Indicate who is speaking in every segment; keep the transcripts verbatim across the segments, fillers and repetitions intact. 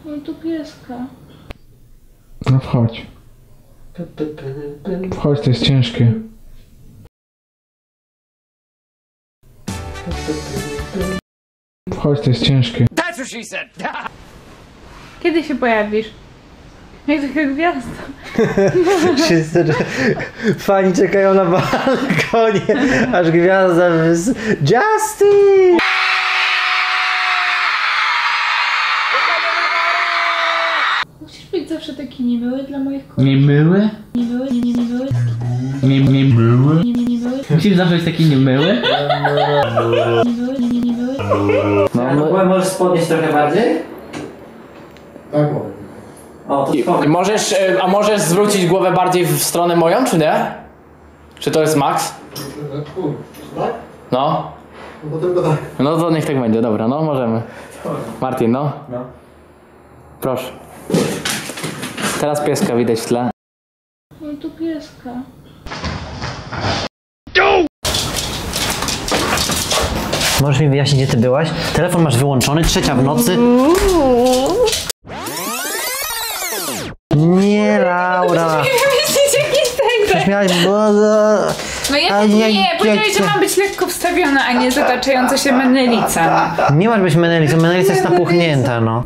Speaker 1: No tu pieska.
Speaker 2: No wchodź. Wchodź, to jest ciężkie. Wchodź, to jest ciężkie.
Speaker 1: Kiedy się pojawisz? Jak taka gwiazda.
Speaker 3: Wszyscy fani czekają na balkonie, aż gwiazda wys... Justin!
Speaker 1: Musisz być zawsze taki niemiły dla moich kolegów.
Speaker 2: Niemyły?
Speaker 1: Niemiły, nie, nie, niemiły.
Speaker 2: Nie, nie były?
Speaker 1: Nie, nie, niemiły.
Speaker 2: Musisz zawsze być taki niemyły?
Speaker 1: Niemiły, nie, nie, niemiły.
Speaker 3: No, no, możesz podnieść trochę bardziej?
Speaker 4: Tak mogę.
Speaker 3: O, to spoko.
Speaker 5: Możesz, a możesz zwrócić głowę bardziej w stronę moją, czy nie? Czy to jest max?
Speaker 4: Tak?
Speaker 5: No.
Speaker 4: No to tylko tak.
Speaker 5: No to niech tak będzie, dobra, no możemy. Martin, no.
Speaker 3: No.
Speaker 5: Proszę. Teraz pieska widać w tle.
Speaker 1: No tu pieska.
Speaker 3: Możesz mi wyjaśnić, gdzie ty byłaś? Telefon masz wyłączony, trzecia w nocy. Nie, Laura. Prześmiałaś, bo...
Speaker 1: No ja
Speaker 3: A
Speaker 1: nie,
Speaker 3: ja-
Speaker 1: powiedziałeś,
Speaker 3: ja-
Speaker 1: że mam być lekko wstawiona, a nie zataczająca się menelica.
Speaker 3: Nie masz być menelicą, menelica jest napuchnięta, no.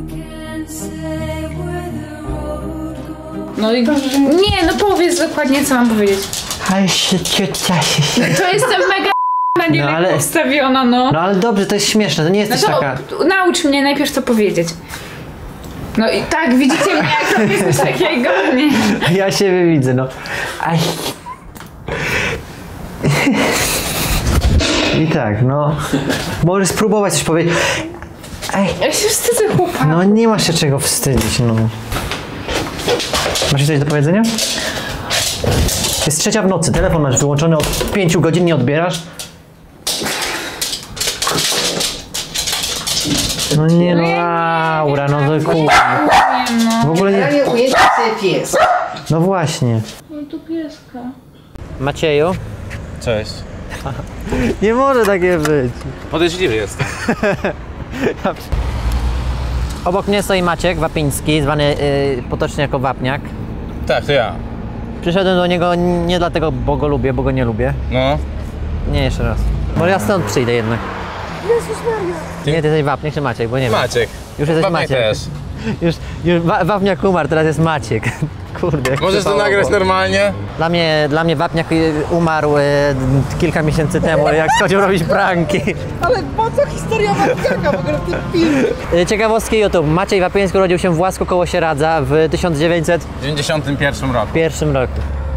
Speaker 1: No i nie, no powiedz dokładnie, co mam powiedzieć.
Speaker 3: Ale się ciocia się...
Speaker 1: To jestem mega na nie
Speaker 3: No,
Speaker 1: lekko
Speaker 3: ale-
Speaker 1: wstawiona, no.
Speaker 3: No ale dobrze, to jest śmieszne, to nie
Speaker 1: No
Speaker 3: jesteś
Speaker 1: to
Speaker 3: taka...
Speaker 1: naucz mnie najpierw to powiedzieć. No i tak, widzicie mnie, jak robię coś takiego, nie?
Speaker 3: Ja siebie widzę, no. Aj. I tak, no. Możesz spróbować coś powiedzieć. Aj.
Speaker 1: Ja się wstydzę, chłopak.
Speaker 3: No nie masz się czego wstydzić, no. Masz coś do powiedzenia? Jest trzecia w nocy, telefon masz wyłączony od pięciu godzin, nie odbierasz? No nie no, Laura, no to kurwa.
Speaker 1: Nie, no.
Speaker 3: W ogóle nie...
Speaker 4: nie ujęcie sobie pies.
Speaker 3: No właśnie.
Speaker 1: No tu pieska.
Speaker 3: Macieju?
Speaker 6: Cześć.
Speaker 3: Nie może takie być.
Speaker 6: Podejrzliwy jestem.
Speaker 3: Obok mnie stoi Maciek Wapiński, zwany yy, potocznie jako Wapniak.
Speaker 6: Tak, to ja.
Speaker 3: Przyszedłem do niego nie dlatego, bo go lubię, bo go nie lubię.
Speaker 6: No.
Speaker 3: Nie, jeszcze raz. Może ja stąd przyjdę jednak. Nie, ty jesteś Wapniak czy Maciek, bo nie wiem.
Speaker 6: Maciek.
Speaker 3: Już jesteś
Speaker 6: Wapniak
Speaker 3: Maciek.
Speaker 6: też.
Speaker 3: Już, już wa Wapniak umarł, teraz jest Maciek. Kurde. jak
Speaker 6: Możesz to
Speaker 3: przypałowo.
Speaker 6: nagrać normalnie?
Speaker 3: Dla mnie, dla mnie Wapniak y, umarł y, kilka miesięcy temu, jak schodził robić pranki.
Speaker 4: Ale po co historia Wapniaka w ogóle w tym filmie?
Speaker 3: Y, Ciekawostki YouTube. Maciej Wapiński urodził się w Łasku koło Sieradza w tysiąc dziewięćset
Speaker 6: dziewięćdziesiątym pierwszym roku.
Speaker 3: pierwszym roku.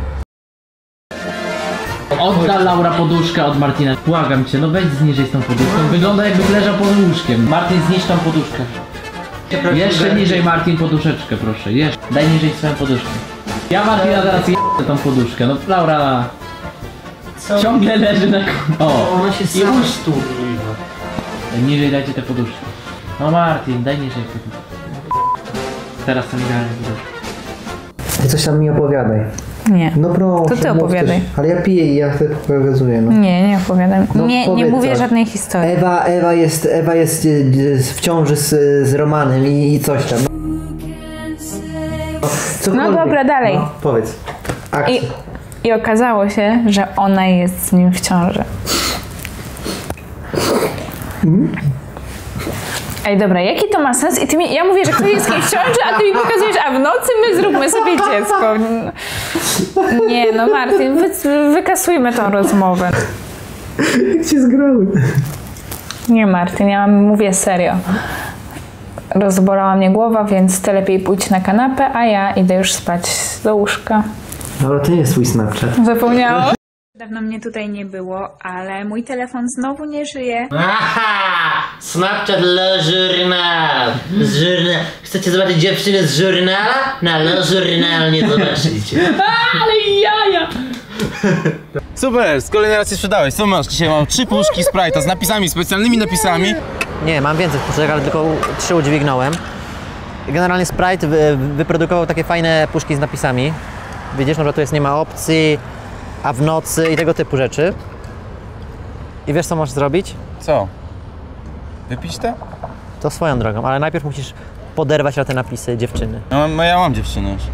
Speaker 2: Odda Laura poduszkę od Martina. Błagam cię, no weź zniżej z tą poduszką. Wygląda jakbyś leżał pod łóżkiem. Martin, zniż tą poduszkę. Jeszcze niżej, Martin, poduszeczkę, proszę. Jeszcze. Daj niżej swoją poduszkę. Ja Martina zaraz je***ę tą poduszkę. No Laura... Co? Ciągle leży na... O!
Speaker 3: Ona się
Speaker 2: I uż tu. Niżej dajcie tę poduszkę. No Martin, daj niżej poduszkę. Teraz tam idealnie poduszkę.
Speaker 3: Ty coś tam mi opowiadaj.
Speaker 1: Nie.
Speaker 3: No proszę.
Speaker 1: To ty
Speaker 3: mów
Speaker 1: opowiadaj.
Speaker 3: coś. Ale ja piję i ja wtedy pokazuję, no.
Speaker 1: Nie, nie opowiadam.
Speaker 3: No,
Speaker 1: nie, nie
Speaker 3: powiedz
Speaker 1: mówię
Speaker 3: coś.
Speaker 1: żadnej historii.
Speaker 3: Ewa, Ewa jest, Ewa jest y, y, w ciąży z, z Romanem i, i coś tam. No, cokolwiek.
Speaker 1: dobra, dalej.
Speaker 3: No, powiedz. Akcja.
Speaker 1: I, I okazało się, że ona jest z nim w ciąży. Ej, dobra, jaki to ma sens? I ty mi, ja mówię, że ktoś jest z kimś w ciąży, a ty mi pokazujesz, a w nocy my zróbmy sobie dziecko. Nie, no Martin, wy, wykasujmy tą rozmowę.
Speaker 3: Jak cię zgrały?
Speaker 1: Nie, Martin, ja mówię serio. Rozbolała mnie głowa, więc ty lepiej pójdź na kanapę, a ja idę już spać do łóżka.
Speaker 3: Dobra, to nie jest twój Snapchat.
Speaker 1: Zapomniałam? Dawno mnie tutaj nie było, ale mój telefon znowu nie żyje.
Speaker 3: Aha! Snapchat Le Journal. Z żurna... Chcecie zobaczyć dziewczynę z żurnala? Na Le Journal nie zobaczycie.
Speaker 1: Ale jaja!
Speaker 6: Super, z kolejnej raz się sprzedałeś. Co masz? Dzisiaj mam trzy puszki Sprite'a z napisami, specjalnymi napisami.
Speaker 3: Nie, mam więcej puszek, ale tylko trzy udźwignąłem. Generalnie Sprite wy, wyprodukował takie fajne puszki z napisami. Widzisz, no, że tu jest nie ma opcji, a w nocy i tego typu rzeczy. I wiesz, co możesz zrobić?
Speaker 6: Co? Wypić to?
Speaker 3: To swoją drogą, ale najpierw musisz poderwać na te napisy dziewczyny.
Speaker 6: No, no ja mam dziewczynę już.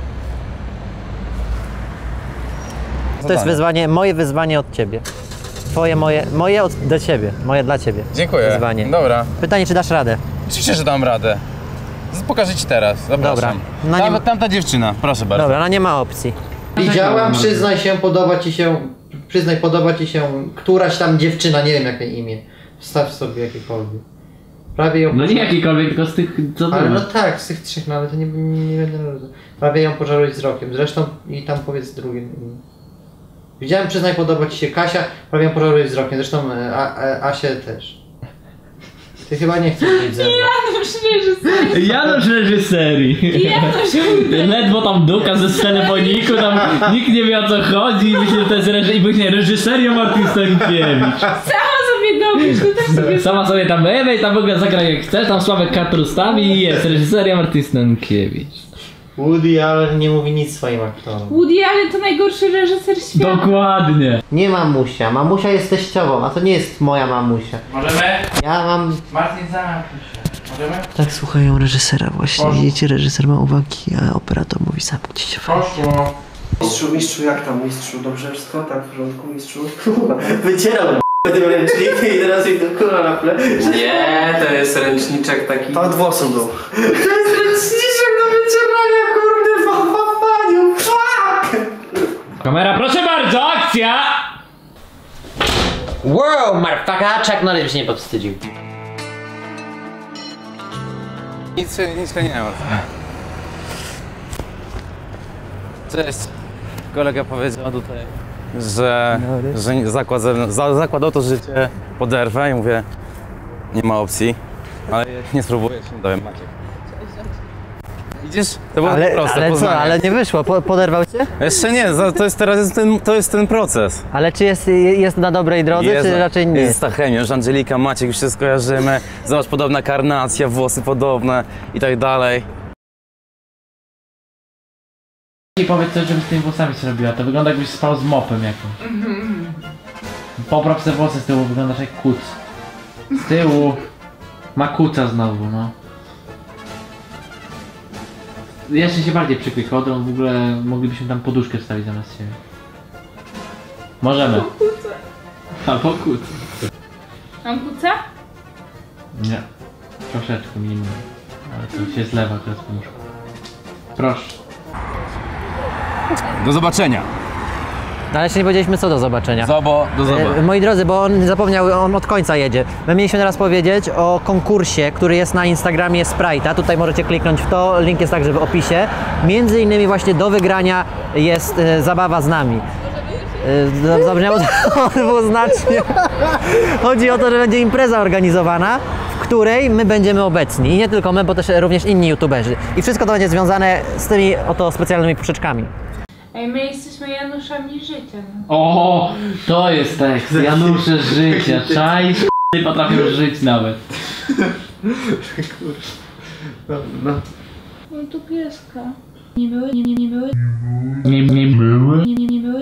Speaker 3: To jest wyzwanie, moje wyzwanie od ciebie. Twoje, moje, moje od, do ciebie, moje dla ciebie.
Speaker 6: Dziękuję.
Speaker 3: Wyzwanie.
Speaker 6: Dobra.
Speaker 3: Pytanie, czy dasz radę?
Speaker 6: Oczywiście, że dam radę. Pokażę ci teraz, zapraszam.
Speaker 3: Dobra. No
Speaker 6: Tam,
Speaker 3: nie-
Speaker 6: Tamta dziewczyna, proszę bardzo.
Speaker 3: Dobra, no nie ma opcji. Widziałam, przyznaj się, podoba ci się, przyznaj, podoba ci się któraś tam dziewczyna, nie wiem jak jej imię. Wstaw sobie jakiekolwiek. Prawie ją
Speaker 2: No nie jakikolwiek, tylko z tych, co
Speaker 3: Ale
Speaker 2: było.
Speaker 3: no tak, z tych trzech, no ale to nie, nie, nie będę... Prawie ją pożarłeś wzrokiem, zresztą i tam powiedz drugie imię. Widziałem, przyznaj, podoba ci się Kasia, prawie ją pożarłeś wzrokiem, zresztą e, a, a, Asię też. Ty chyba nie chcesz być ze mną.
Speaker 1: Janusz reżyser.
Speaker 2: Janusz reżyserii.
Speaker 1: Janusz
Speaker 2: Ledwo tam duka ze telefoniku, tam nikt nie wie o co chodzi i myślę, że to jest reży... i myślę, reżyseria Martin Stankiewicz.
Speaker 1: sama sobie dopisz, to też sobie...
Speaker 2: Sama sobie tam ewe i tam w ogóle zagraj jak chcesz, tam Sławek Katr ustawi i jest reżyseria Martin Stankiewicz.
Speaker 3: Woody Allen nie mówi nic swoim aktorom.
Speaker 1: Woody Allen to najgorszy reżyser świata.
Speaker 2: Dokładnie.
Speaker 3: Nie mamusia, mamusia jest teściową, a to nie jest moja mamusia.
Speaker 2: Możemy?
Speaker 3: Ja mam...
Speaker 2: Martin, zamknij się. Możemy?
Speaker 3: Tak słuchają reżysera właśnie, widzicie, reżyser ma uwagi, a operator mówi zamknij się.
Speaker 2: Poszło.
Speaker 4: Mistrzu, mistrzu, jak tam mistrzu? Dobrze wszystko? Tak, w porządku, mistrzu?
Speaker 3: Wycierał tym ręcznikiem i teraz jej do kula na ple.
Speaker 4: Nie, to jest ręczniczek taki... To od włosu był.
Speaker 3: To jest ręczniczek do wycierania, kurde, w paniu, fuck!
Speaker 2: Kamera, proszę bardzo, akcja!
Speaker 3: Wow, motherfucker, Chuck Norris się nie powstydził.
Speaker 6: Nic się, nic się nie ma. Cześć. Kolega powiedział tutaj, że, że zakład, za, zakładał to życie poderwę i mówię, nie ma opcji, ale nie spróbuję, się nie dowiem, Maciek. Widzisz? To było
Speaker 3: Ale,
Speaker 6: proste,
Speaker 3: ale co,
Speaker 6: poznanie.
Speaker 3: ale nie wyszło, po, poderwał cię?
Speaker 6: Jeszcze nie, za- to jest teraz jest ten, to jest ten proces.
Speaker 3: Ale czy jest, jest na dobrej drodze,
Speaker 6: Jest,
Speaker 3: czy raczej nie?
Speaker 6: Jest ta chemia, już Angelika, Maciek, już się skojarzymy. Zobacz, podobna karnacja, włosy podobne i tak dalej.
Speaker 2: I powiedz coś, żeby z tymi włosami zrobiła. To wygląda jakbyś spał z mopem jakimś. Popraw te włosy z tyłu, wyglądasz jak kuc. Z tyłu ma kuca znowu, no. Jeszcze się bardziej przykryj kodrą, w ogóle moglibyśmy tam poduszkę wstawić zamiast siebie. Możemy. Albo kuc.
Speaker 1: Mam kuca?
Speaker 2: Nie. Troszeczkę minimum. Ale to się zlewa teraz poduszką. Proszę.
Speaker 6: Do zobaczenia.
Speaker 3: No, ale jeszcze nie powiedzieliśmy co do zobaczenia.
Speaker 6: Zobo, do
Speaker 3: E,
Speaker 6: zobaczenia.
Speaker 3: moi drodzy, bo on zapomniał, on od końca jedzie. My mieliśmy teraz powiedzieć o konkursie, który jest na Instagramie Sprite'a. Tutaj możecie kliknąć w to, link jest także w opisie. Między innymi właśnie do wygrania jest e, zabawa z nami. E, Zabrzmiało to dwuznacznie. Chodzi o to, że będzie impreza organizowana, w której my będziemy obecni. I nie tylko my, bo też również inni youtuberzy. I wszystko to będzie związane z tymi oto specjalnymi puszeczkami.
Speaker 1: Ej, my jesteśmy Januszami życia. No.
Speaker 2: O, to jest tekst. Janusze życia. Czaj, nie potrafią żyć nawet.
Speaker 1: No tu pieska. Nie były, nie, nie, nie były,
Speaker 2: Nie, nie były.
Speaker 1: nie, nie, nie były.